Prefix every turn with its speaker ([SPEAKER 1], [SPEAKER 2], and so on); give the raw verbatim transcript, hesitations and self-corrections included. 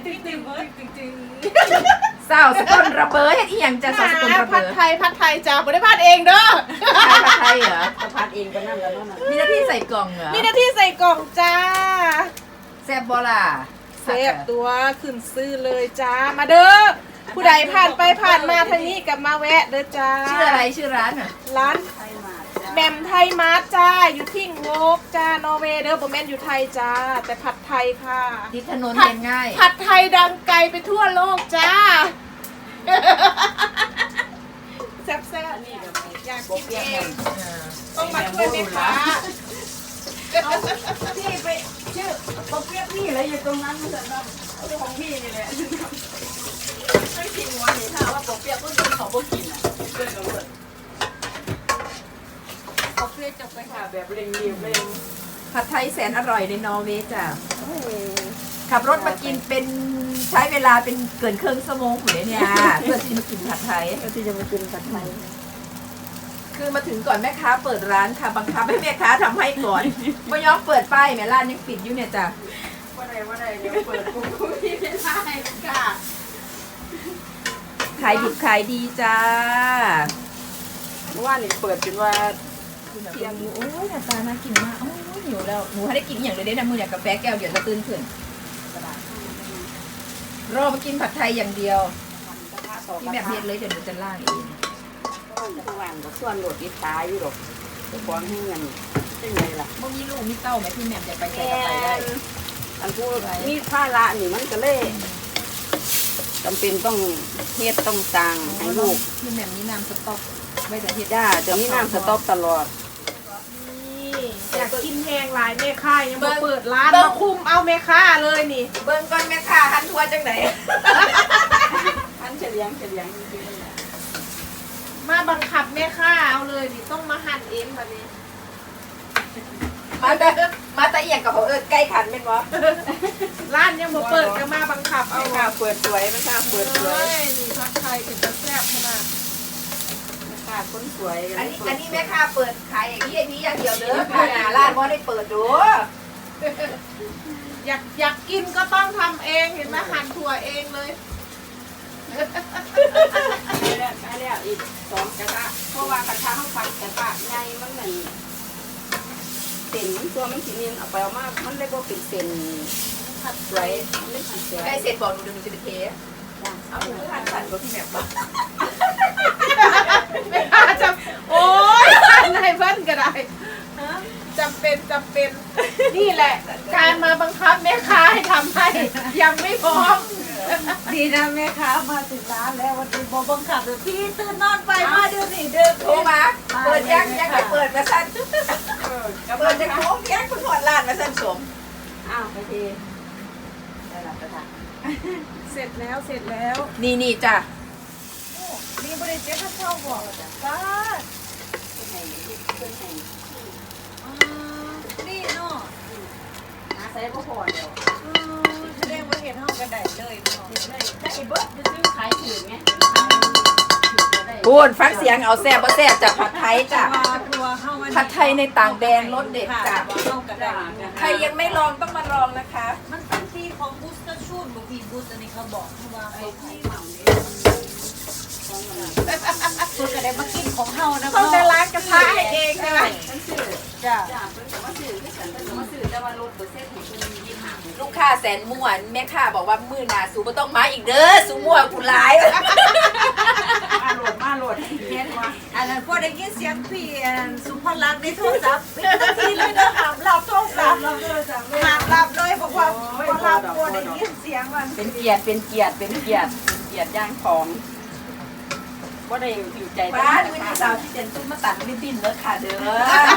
[SPEAKER 1] ติ๊กติ๊กติ๊กติ๊ก
[SPEAKER 2] สาวสกุลระเบิดเฮ็ดอีหยังจะสาวสกุลระ
[SPEAKER 3] ผั
[SPEAKER 2] เบิ
[SPEAKER 3] ด
[SPEAKER 2] ด
[SPEAKER 3] ไทยผัดไทยจ้าบ่ได้ผัดเองเด้อ
[SPEAKER 2] ผัดไทยเหรอ
[SPEAKER 1] จะพัดเองก็นั่นแล้วนั่น
[SPEAKER 2] มีหน้าที่ใส่กล่องเหรอ
[SPEAKER 3] มีหน้าที่ใส่กล่องจ้า
[SPEAKER 2] แซ่บบ่ล่ะ
[SPEAKER 3] เซฟตัวขึ้นซื้อเลยจ้ามาเด้อผู้ใดผ่านไปผ่านมาทางนี้กับมาแวะเด้อจ้า
[SPEAKER 2] ชื่ออะไรชื่อร้านอ่ะ
[SPEAKER 3] ร้าน
[SPEAKER 1] ไทยมา
[SPEAKER 3] แหม่มไทยมาร์ทจ้าอยู่ที่งกจ้านอร์เวย์เด้อบ่แม่นอยู่ไทยจ้าแต่ผัดไทยค่ะ
[SPEAKER 2] ติดถนนเป็นง่าย
[SPEAKER 3] ผัดไทยดังไกลไปทั่วโลกจ้าแซ่บๆนี่อยากกินเองต้องมาช่วยแม่ค้า
[SPEAKER 1] พี่ไปชื่อปกเปียกพี่เลยอยู่ตรงนั้นมันจะแบบของพี่นี่แหละไม่กินหัวหนีถ้าว่าปกเปียกก็กินของพวกกินอ่ะเพื่อนกันเลยปกเปียกจะไปหาแบบเร่งรีบเร่ง
[SPEAKER 2] ผัดไทยแสนอร่อยในนอร์เวย์จ้ะขับรถมากินเป็นใช้เวลาเป็นเกินครึ่งชั่วโมงอยู่เลยเนี่ยเพื่อที่มากินผัดไทย
[SPEAKER 1] ที่จะมากินผัดไทย
[SPEAKER 2] คือมาถึงก่อนแม่ค้าเปิดร้านค่ะบังคับให้แม่ค้าทำให้ก่อนไม่ยอมเปิดป้ายแม่ร้านยังปิดอยู่เนี่ยจ้ะ
[SPEAKER 1] ว่าใดว่าใดเดี๋ยวเปิดปุ๊บพี่ไม่ได้ค่ะ
[SPEAKER 2] ขายดิบขายดีจ้า
[SPEAKER 1] เมื่อวานนี่เปิดจนว่า
[SPEAKER 2] เพียงโอ้ยหน้าตาน่ากินมากโอ้ยหิวแล้วหนูให้ได้กินอย่างเลยได้นะมืออย่างกาแฟแก้วเดียวจะตื่นขึ้นรอมากินผัดไทยอย่างเดียวที่แบบเฮ็ดเลยเดี๋ยวหนูจะล่างเอง
[SPEAKER 1] ระหว่างกับส่วนโหลดอีตาอยู่หรอกจะฟ้องให้เงินเป็นไงล่ะ
[SPEAKER 2] เมื่อกี้ลูกมีเต้าไหมพี่แหม่มจะไปใส่กับไปได้
[SPEAKER 1] อันพูดมีผ้าละนี่มันก็เลยจำเป็นต้องเฮ็ดต้องสั่งให้ลูก
[SPEAKER 2] พี่แหม่มนี่น้ำสต๊อกไว้แต่เฮ็ด
[SPEAKER 1] ย่าจะมีน้ำสต๊อกตลอด
[SPEAKER 3] นี่อยากกินแห้งหลายแม่ค้ายังมาเปิดร้านมาคุมเอาแม่ค้าเลยนี่
[SPEAKER 2] เบิ่งก่อนแม่ค้าหันทัวจังไหน
[SPEAKER 1] อันเฉลียงเฉลียงจริง
[SPEAKER 3] มาบังคับแม่ค้าเอาเลยนี่ต้องมาหั่นเองแบบนี้
[SPEAKER 2] มาแต่มาแต่เอียงกับเขาเออใกล้ขันเป็นบ่
[SPEAKER 3] ร้านยังมาเปิดก็มาบังคับ
[SPEAKER 1] ๆ
[SPEAKER 3] เอา
[SPEAKER 1] ไม่กล้าเปิดสวยไม่กล้าเปิดสวย
[SPEAKER 3] เอ้ยนี่ผัดไทยเป็นตะแซ่บขนาด
[SPEAKER 1] ไม่กล้าคนสวย
[SPEAKER 2] อันนี้อันนี้แม่ค้าเปิดขายอย่างนี้อย่างนี้อย่างเดียวเด้อค่ะหน้าร้านบ่ได้เปิดดู
[SPEAKER 3] อยากอยากกินก็ต้องทำเองเห็นไหมหั่นถั่วเองเลย
[SPEAKER 1] ได้แล้วได้แล้วอีกสองกระทะเพราะว่ากระทะเขาปัดกระทะใหญ่มันเหมือนเส้นมันตัวมันสีเนียนเอาไปเอามามันเลยบ่เป็นเส้นผัดสวยมันเลยผัดสวย
[SPEAKER 2] ใกล้เสร็จบอกหนูเดี๋ยวหนูจะไปเทเอาหนูหันขันกับพี่แหม่มบ่
[SPEAKER 3] แม่ค้าจำโอ๊ยหั่นให้เพิ่นก็ได้จำเป็นจำเป็น นี่แหละ การมาบังคับแม่ค้าให้ทำให้ยังไม่พร้อม
[SPEAKER 4] ดีนะแม่ค้ามาถึงร้านแล้ววันนี้บอบังคับเลยพี่ตื่นนอนไปมาเดี๋ยวนี้เดิน
[SPEAKER 2] โทรมาเปิดยังยังไม่เปิดมาสั่น
[SPEAKER 1] เออ
[SPEAKER 2] เปิดจะโค้งยังเพิ่งหอดร้านมาสั่นสม
[SPEAKER 1] อ้าวไปทีได้รับกระทะ
[SPEAKER 3] เสร็จแล้วเสร็จแล้ว
[SPEAKER 2] นี่นี่จ้ะ
[SPEAKER 3] นี่บริเจ๊ข้าเช่าบอกจ้า
[SPEAKER 1] ขึ้นให้ขึ้นให้
[SPEAKER 4] อ่านี่เนาะ
[SPEAKER 1] หาใส่ก็พอเดียว
[SPEAKER 4] อืมแสดงว่าเห็นห้องกระไดเลยเนาะ
[SPEAKER 1] ได้ไอ้เบิร์ดจะซื้อขายถือไง
[SPEAKER 2] พูดฟังเสียงเอาแซ่บบ่แซ่บจากผัดไทยจ้ะ
[SPEAKER 4] ว่าตัวเข้ามา
[SPEAKER 2] ผัดไทยในต่างแดนรสเด็ดจ้ะ
[SPEAKER 4] ว่าเข้ากระไดนะ
[SPEAKER 2] ใครยังไม่ลองต้องมาลองนะคะ
[SPEAKER 4] มันเป็นที่ของบูสเตอร์ชูนบางทีบูสอันนี้เขาบอกว่าไอ้ที่ตัวกระไดมากินของเฮานะ
[SPEAKER 3] เขาจะล้างกระทะให้เองใช่ไหม
[SPEAKER 1] ฉันซื้อ
[SPEAKER 4] จ้ะ
[SPEAKER 1] จ้าเพิ่นก็มาซื้อที่ฉันเพิ่นก็มาซื้อแต่ว่ารถเปอร์เซ็นต์ของเพิ่นยี่สิบห้า
[SPEAKER 2] ลูกค้าแสนม่วนแม่ค้าบอกว่ามื้อหน้าสูบ่ต้องมาอีกเด้อสูม่วนกูหลาย
[SPEAKER 1] มาโหลดมาโหลดเฮ็ดว่า
[SPEAKER 4] อันนั้นพอได้ยินเสียงพี่อันสุภลักษณ์ในโทรศัพท์เป็นนาทีเลยนะหามหลับโทรศัพท์หามหลับเลยบอกว่าพอหลับพอได้ยินเสียงมัน
[SPEAKER 1] เป็นเกียรติเป็นเกียรติเป็นเกียรติเป็นเกียรติย่างของบ่ได้อยู่ใจ
[SPEAKER 2] ป้าดูนี่สาวที่เจนตุ้มมาตัดริบบิ้นเด้อค่ะเด้อ